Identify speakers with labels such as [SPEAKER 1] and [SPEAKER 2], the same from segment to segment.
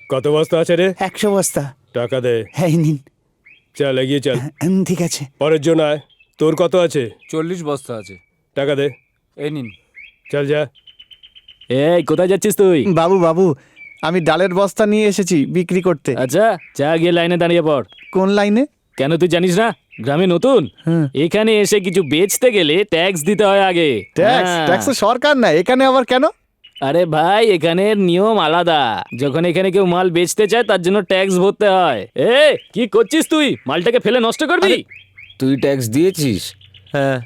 [SPEAKER 1] কত বস্তা আছে রে?
[SPEAKER 2] 100 বস্তা।
[SPEAKER 1] টাকা দে।
[SPEAKER 2] হ্যাঁ নিন।
[SPEAKER 1] চল এগিয়ে চল।
[SPEAKER 2] ঠিক আছে।
[SPEAKER 1] পরের জন আয়। তোর কত আছে?
[SPEAKER 3] 40 বস্তা আছে।
[SPEAKER 1] টাকা দে।
[SPEAKER 3] এই নিন।
[SPEAKER 1] চল যা।
[SPEAKER 4] এই কোথায় যাচ্ছিস তুই?
[SPEAKER 2] বাবু বাবু, আমি ডালের বস্তা নিয়ে এসেছি বিক্রি করতে।
[SPEAKER 4] আচ্ছা যা গিয়ে লাইনে দাঁড়িয়ে পড়।
[SPEAKER 2] কোন লাইনে?
[SPEAKER 4] কেন তুই জানিস না গ্রামে নতুন? এখানে এসে কিছু বেচতে গেলে ট্যাক্স দিতে হয় আগে।
[SPEAKER 2] ট্যাক্স?
[SPEAKER 4] হ্যাঁ।
[SPEAKER 2] ট্যাক্স সরকার না, এখানে আবার কেন?
[SPEAKER 4] আরে ভাই এখানের নিয়ম আলাদা। যখন এখানে কেউ মাল বেচতে চায় তার জন্য ট্যাক্স ভরতে হয়। এ কি করছিস তুই? মালটাকে ফেলে নষ্ট করবি?
[SPEAKER 5] তুই ট্যাক্স দিয়েছিস?
[SPEAKER 2] হ্যাঁ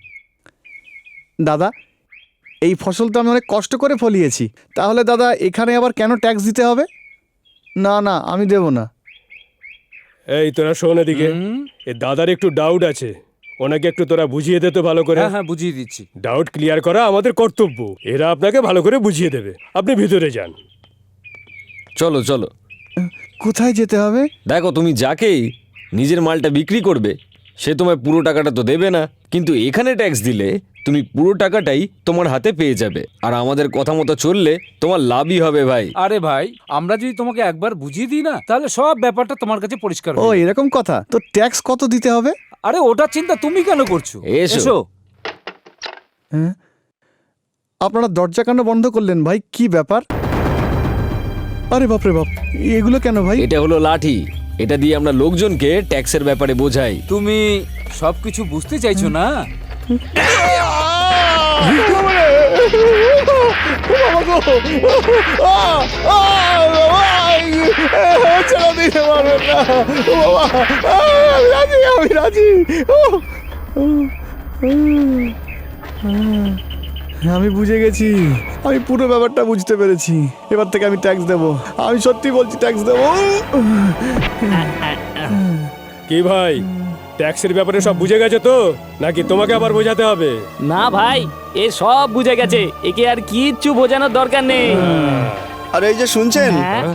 [SPEAKER 2] দাদা, এই ফসল তো আমি অনেক কষ্ট করে ফলিয়েছি, তাহলে দাদা এখানে আবার কেন ট্যাক্স দিতে হবে? না না, আমি দেব না।
[SPEAKER 1] এই তোরা শোন এদিকে। এ দাদার একটু ডাউট আছে, ওনাকে একটু তোরা বুঝিয়ে দে তো ভালো করে।
[SPEAKER 3] হ্যাঁ হ্যাঁ বুঝিয়ে দিচ্ছি।
[SPEAKER 1] ডাউট ক্লিয়ার করা আমাদের কর্তব্য। এরা আপনাকে ভালো করে বুঝিয়ে দেবে। আপনি ভিতরে যান।
[SPEAKER 5] চলো চলো।
[SPEAKER 2] কোথায় যেতে হবে?
[SPEAKER 5] দেখো, তুমি যাকেই নিজের মালটা বিক্রি করবে সে তোমায় পুরো টাকাটা তো দেবে না, কিন্তু এখানে ট্যাক্স দিলে তুমি পুরো টাকাটাই তোমার হাতে পেয়ে যাবে। আর আমাদের কথা মতো চললে তোমার লাভই হবে ভাই।
[SPEAKER 3] আরে ভাই, আমরা যদি তোমাকে একবার বুঝিয়ে দিই না, তাহলে সব ব্যাপারটা তোমার কাছে পরিষ্কার
[SPEAKER 2] ও
[SPEAKER 3] হয়ে যাবে।
[SPEAKER 2] এরকম কথা? তো ট্যাক্স কত দিতে হবে?
[SPEAKER 3] আরে ওটার চিন্তা তুমি কেন করছো?
[SPEAKER 5] এসো।
[SPEAKER 3] এসো।
[SPEAKER 2] হ্যাঁ, আপনারা দরজা কেন বন্ধ করলেন ভাই? কি ব্যাপার? আরে বাপরে বাপ, এগুলো কেন ভাই?
[SPEAKER 5] এটা হলো লাঠি, এটা দিয়ে আমরা লোকজনকে ট্যাক্সের ব্যাপারে বোঝাই।
[SPEAKER 3] তুমি সবকিছু বুঝতে চাইছো না?
[SPEAKER 2] আমি রাজি। আমি বুঝে গেছি, আমি পুরো ব্যাপারটা বুঝতে পেরেছি। এবার থেকে আমি ট্যাক্স দেবো, আমি সত্যি বলছি ট্যাক্স দেবো।
[SPEAKER 1] কি ভাই, ট্যাক্সের ব্যাপারে সব বুঝে গেছে তো, নাকি তোমাকে আবার বোঝাতে হবে?
[SPEAKER 4] না ভাই, এ সব বুঝে গেছে, একে আর কিচ্ছু বোঝানোর দরকার নেই।
[SPEAKER 6] আর এই যে শুনছেন,
[SPEAKER 4] হ্যাঁ?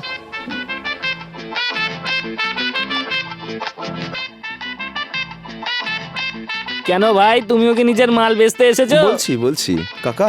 [SPEAKER 4] কেন ভাই, তুমিও কি নিজের মাল বেচতে এসেছো?
[SPEAKER 6] বলছি কাকা,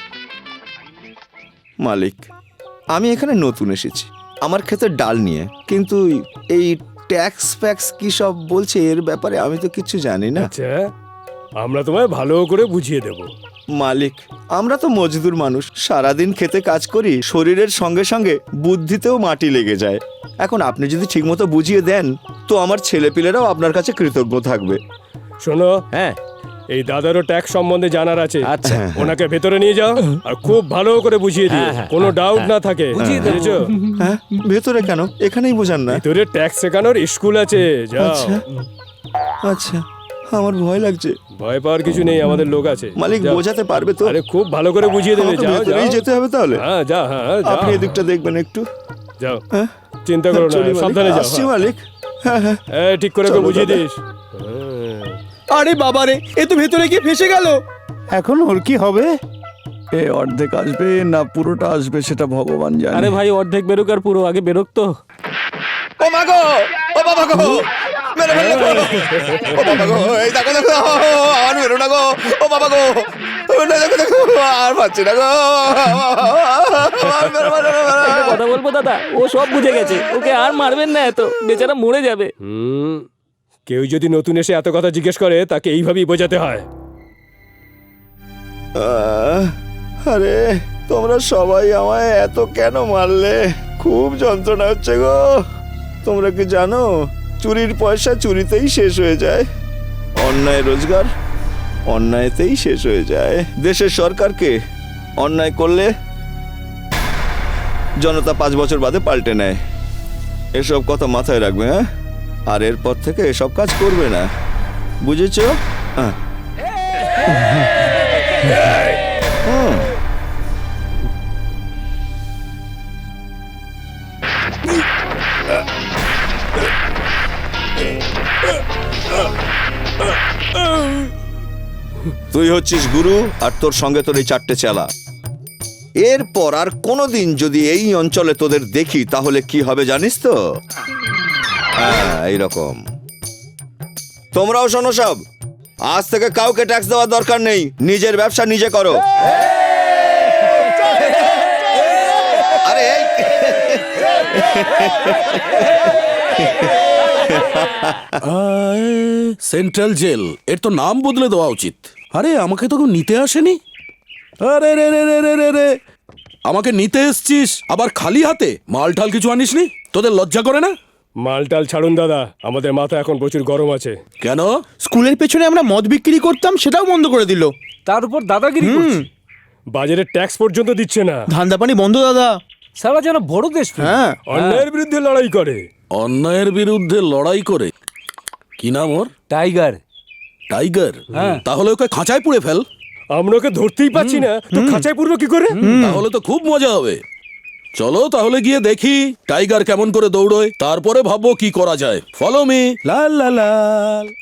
[SPEAKER 6] মালিক, আমি এখানে নতুন এসেছি আমার ক্ষেতের ডাল নিয়ে, কিন্তু এই ট্যাক্স ফ্যাক্স কি সব বলছে এর ব্যাপারে আমি তো কিছু জানি না।
[SPEAKER 1] আচ্ছা, আমরা তোমায় ভালো করে বুঝিয়ে দেব।
[SPEAKER 6] মালিক, আমরা তো মজদুর মানুষ, সারাদিন খেতে কাজ করি, শরীরের সঙ্গে সঙ্গে বুদ্ধিতেও মাটি লেগে যায়। এখন আপনি যদি ঠিকমতো বুঝিয়ে দেন তো আমার ছেলেপিলেরাও আপনার কাছে কৃতজ্ঞ থাকবে।
[SPEAKER 1] শোনো,
[SPEAKER 5] হ্যাঁ,
[SPEAKER 1] এই দাদারও ট্যাক্স সম্বন্ধে জানার আছে।
[SPEAKER 5] আচ্ছা।
[SPEAKER 1] ওনাকে ভেতরে নিয়ে যাও আর খুব ভালো করে বুঝিয়ে দিও, কোনো ডাউট না থাকে।
[SPEAKER 3] বুঝিয়ে দেবো।
[SPEAKER 1] বুঝেছো?
[SPEAKER 6] হ্যাঁ, ভেতরে কেন? এখানেই বোঝান না।
[SPEAKER 1] ভেতরে ট্যাক্স শেখানোর স্কুল আছে, যাও।
[SPEAKER 6] আচ্ছা আচ্ছা, আমার ভয় লাগছে।
[SPEAKER 1] ভয় পাওয়ার কিছু নেই, আমাদের লোক আছে।
[SPEAKER 6] মালিক
[SPEAKER 1] যাও।
[SPEAKER 6] বোঝাতে পারবে তো?
[SPEAKER 1] আরে খুব ভালো করে বুঝিয়ে দেবে।
[SPEAKER 6] আমাকে
[SPEAKER 1] যাও
[SPEAKER 6] ভেতরেই
[SPEAKER 1] যাও।
[SPEAKER 6] যেতে হবে তাহলে?
[SPEAKER 1] হ্যাঁ যা, হ্যাঁ যাও।
[SPEAKER 6] আপনি এদিকটা দেখবেন একটু।
[SPEAKER 1] যাও,
[SPEAKER 6] হ্যাঁ,
[SPEAKER 1] চিন্তা করো না,
[SPEAKER 6] চলি মালিক,
[SPEAKER 1] সাবধানে যাও।
[SPEAKER 6] আসছি মালিক। হ্যাঁ হ্যাঁ,
[SPEAKER 1] হ্যাঁ, ঠিক করে ওকে
[SPEAKER 6] চলো
[SPEAKER 1] বুঝিয়ে
[SPEAKER 6] দাদা।
[SPEAKER 1] দিস। হ্যাঁ।
[SPEAKER 7] আরে বাবারে, এ তো ভেতরে গিয়ে ফেসে গেল।
[SPEAKER 2] এখন ওর কি হবে? এ অর্ধেক আসবে না পুরোটা আসবে সেটা ভগবান জানে।
[SPEAKER 4] আরে ভাই, অর্ধেক বেরোক আর পুরো আগে বেরোক তো।
[SPEAKER 6] ও মা গো, ও বাবা গো, মেরে ফেললো গো। ও বাবা গো, এই দেখো দেখো, আর মেরো না গো। ও বাবা গো, না, দেখো দেখো, আর পাচ্ছি না গো। মেরো, মেরো, মেরো, মেরো।
[SPEAKER 4] একটা কথা বলবো দাদা, ও সব বুঝে গেছে, ওকে আর মারবেন না, এত বেচারা মরে যাবে।
[SPEAKER 1] কেউ যদি নতুন এসে এত কথা জিজ্ঞেস করে তাকে এইভাবেই বোঝাতে হয়।
[SPEAKER 6] আরে তোমরা সবাই আমায় এত কেন মারলে? খুব যন্ত্রণা হচ্ছে গো। তোমরা কি জানো, চুরির পয়সা চুরিতেই শেষ হয়ে যায়, অন্যায় রোজগার অন্যায়তেই শেষ হয়ে যায়। দেশের সরকারকে অন্যায় করলে জনতা 5 বছর বাদে পাল্টে নেয়। এসব কথা মাথায় রাখবে, হ্যাঁ? আর এরপর থেকে এসব কাজ করবে না, বুঝেছো? হ্যাঁ। তুই হচ্ছিস গুরু আর তোর সঙ্গে তোর এই 4টে চেলা। এরপর আর কোনোদিন যদি এই অঞ্চলে তোদের দেখি তাহলে কি হবে জানিস তো? হ্যাঁ, এইরকম। তোমরাও শোনো সব, আজ থেকে কাউকে ট্যাক্স দেওয়ার দরকার নেই, নিজের ব্যবসা নিজে করো। আরে
[SPEAKER 8] সেন্ট্রাল জেল, এর তো নাম বদলে দেওয়া উচিত। আরে আমাকে তো কেউ নিতে আসেনি। আরে রে রে রে রে রে রে, আমাকে নিতে এসছিস আবার খালি হাতে? মাল ঠাল কিছু আনিসনি? তোদের লজ্জা করে না?
[SPEAKER 1] মালটাল ছাড়ুন দাদা, আমাদের মাথা এখন প্রচুর গরম আছে।
[SPEAKER 8] কেন?
[SPEAKER 7] স্কুলের পেছনে আমরা মদ বিক্রি করতাম, সেটাও বন্ধ করে দিল।
[SPEAKER 3] তার উপর দাদাগিরি করছে।
[SPEAKER 1] বাজারে ট্যাক্স পর্যন্ত দিচ্ছে না।
[SPEAKER 7] ধান্দা পানি বন্ধ দাদা।
[SPEAKER 3] সারা যেন বড় দেশ।
[SPEAKER 7] হ্যাঁ,
[SPEAKER 1] অন্যায়ের বিরুদ্ধে লড়াই করে।
[SPEAKER 8] অন্যায়ের বিরুদ্ধে লড়াই করে? কি নাম ওর?
[SPEAKER 3] টাইগার।
[SPEAKER 8] টাইগার?
[SPEAKER 3] হ্যাঁ।
[SPEAKER 8] তাহলে ওকে খাঁচায় পুড়ে ফেল।
[SPEAKER 1] আমরা ওকে ধরতেই পাচ্ছি না, তো খাঁচায় পুরবো কি করে?
[SPEAKER 8] তাহলে তো খুব মজা হবে। চলো তাহলে গিয়ে দেখি টাইগার কেমন করে দৌড়োয়, তারপরে ভাববো কি করা যায়। Follow me. লাল লাল লাল।